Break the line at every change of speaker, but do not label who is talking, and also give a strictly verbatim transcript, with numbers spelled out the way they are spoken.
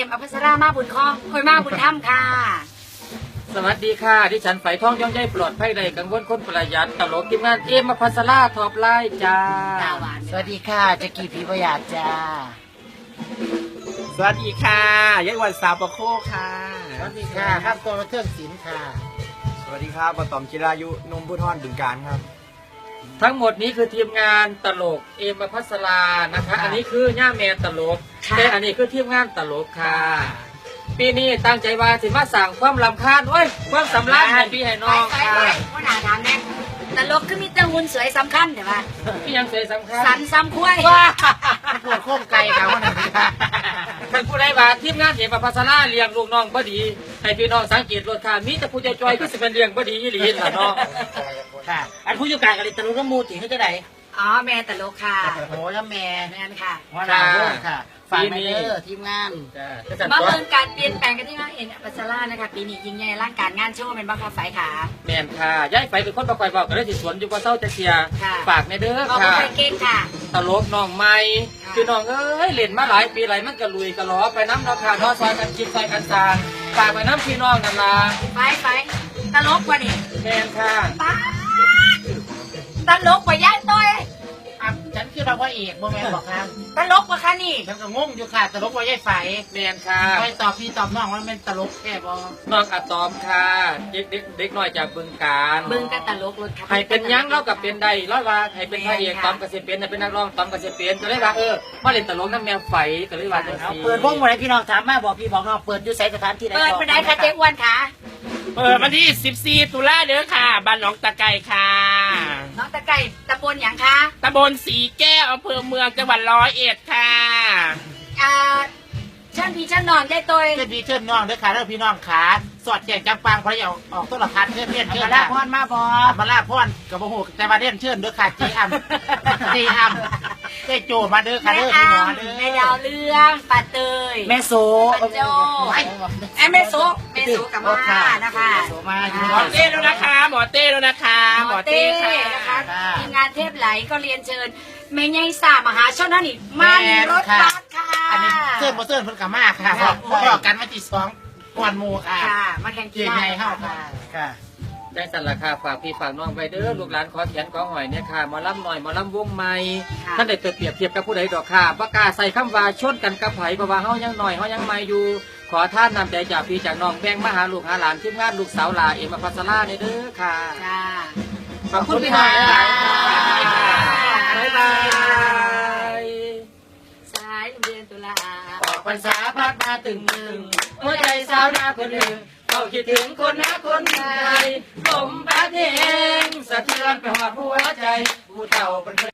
อภัสรามาบุญคองคอยมาบุญถ้ำค่ะ
สวัสดีค่ะดิฉันไฝทองย่องใยปลอดภัยใดกังวลคนประหยัดตลกทีมงานเอ็มอภัสราทอปไลน์จ้า
สวัสดีค่ะจะกี่ผีประหยัดจ้า
สวัสดีค่ะยัยวันสาวประโคค่ะ
สวัสดีค่ะครับตัวเครื่องศิลป์ค่ะ
สวัสดีครับปตอมจิรายุนมพุทธรบึงการครับ
ทั้งหมดนี้คือทีมงานตลกเอ็มอภัสรานะคะอันนี้คือย่าแมนตลกแต่อันนี้คือทีมงานตลกค่ะปีนี้ตั้งใจว่าสิมาสั่งความรำคาญโอ้ยความสำลักให้พี่ให้น้องค่ะ
ว่าหนาทางแน่ตลกคือมีแต่หุ่นสวยสำคัญแต่ว่า
พี่ยังสวยสำคัญ
สันซ้ำคุ้ย
ว่า
ปวดโค้งไก่ค่ะว่าหนาค่ะ
ท่านผู้ใดว่าทีมงานเอ็มอภัสราเลี้ยงลูกน้องบ่ดีให้พี่น้องสังเกตรถค่ะมีแต่ผู้จอยๆก็สิเป็นเลี้ยงบ่ดีอีหลีล่ะเนาะ
ค่ะอันผู้อยู่กลางกับลิตรน้ำมูติเขาจะไหนอ๋อแม่ตลกค่ะโอ้แล้วแม่แม่ค่ะว่าหนาค่ะฝากไปเด้อทีมงานมาเมืองการเปลี่ยนแปลงกันที่ว่าเอ็นอภัสรานะคะปีนี้ยิ่งใหญ่ร่างการงานโชว์เป็นบ้าคาไฟขา
แมนค่ะย้ายไปเป็นคนประกอบบอกก็ได้สิสวนอยู่กับเศร้าจะเชียร์ฝากในเด้อค่ะ
เก่งค่ะ
ตลกน้องใหม่คือน้องเอ้ยเล่นมาหลายปีหลายมันกระลุยกระล้อไปน้ำราคาน้อซอยกันคิดซอยกันสางฝากไปน้ำพี่น้องนั่นล่ะ
ไปไปตลกกว่านี่
แมนค่ะ
ตลกกว่าย้ายต้อย
ฉันคือเราว่าเอกโมแมนบอกค่ะ
ตลกกว่าค่ะนี่
ฉันก็งงอยู่ค่ะตลกว่าย่ายไฟ
แมนค่ะ
ไปตอบพี่ตอบน้องว่าเป็นตลกแค่บอ
น้องอะตอมค่ะเด็กเด็กเด็กน้อยจากบึงการ
บึงก็ตลกรถ
ให้เป็นยังเล่ากับเป็นใดร้อยว่าให้เป็นพระเอกตอมกระเสียเป็นให้เป็นนักร้องตอมกระเสียเป็นก็เลยว่าเออมาเล่นตลกน้ำแมวไฟก็เลยว่า
เอาเปิดวงวันไหนพี่น้องถามมาบอกพี่บอกน้องเปิดอยู่ใส่สถานที่ไหน
เปิดไปไหนคะเจ๊อ้วนค่ะ
เปิดวันที่สิบสี่ตุลาเด้อค่ะบ้านหนองตะไก่ค่ะ
น้องตะไก่ตำบลอย่างคะ
ตำบลสีแก้วอำเภอเมืองจังหวัดร้อยเอ็ดค่ะ
อ่าเชิญพี่เชิญน้องได้ตัว
เชิญพี่เชิญน้องเด้อค่ะแล้วพี่น้องขาสอดแจงจังปังเพราะอยากออกต้นละพันเชิญเชิญเชิญ
มาลาพรมาบอ
มาลาพรกับโมโหแต่มาเล่นเชิญเด้อค่ะจีอัมจีอัมเจ๊โจมาเด้อค่ะเด้อพี่น้องเด้อ
แม่ดาวเรื่องปาเตย
แม่โซ
ปาโจไอ้แม่โซแม่โซกับมานะคะ
หมอเต้แล้วนะคะหมอเต้แล้วนะคะ
หมอเต้นะคะทีมงานเทพไหลก็เรียนเชิญแม่ใหญ่สามหาชนนั่นนี่มันรถบัสค่ะ
อันนี้เสื้อโมเสื้อเพิ่นกับมากค่ะพอกันมาจีสองก่อนโมค่ะ
มาแข่งกี
ฬาใหญ่เข้าค่ะค่ะ
ได้สั่นราคาฝากพี่ฝากน้องไปเด้อลูกหลานขอเขียนขอหอยเนี่ยค่ะมาล่ำหน่อยมาล่ำวงใหม่ท่านได้เปรียบเทียบกับผู้ใดดอกค่ะปากกาใส่คำว่าชนกันกับไผ่เพราะว่าเฮายังหน่อยเฮายังใหม่อยู่ขอท่านนำใจจากพี่จากน้องแบ่งมาหาลูกหาหลานทีมงานลูกสาวหลาเอ็มอภัสราในเด้อค่ะขอบคุณพี่น้องหลายบ๊ายบาย
สายเดือนตุลา
ออกพรรษาพัดมาตึงหนึ่งหัวใจสาวนาคนหนึ่งเขาคิดถึงคนหาคนไทยลมพัดเองสะเทือนไปหอดหัวใจผู้เฒ่าเป็น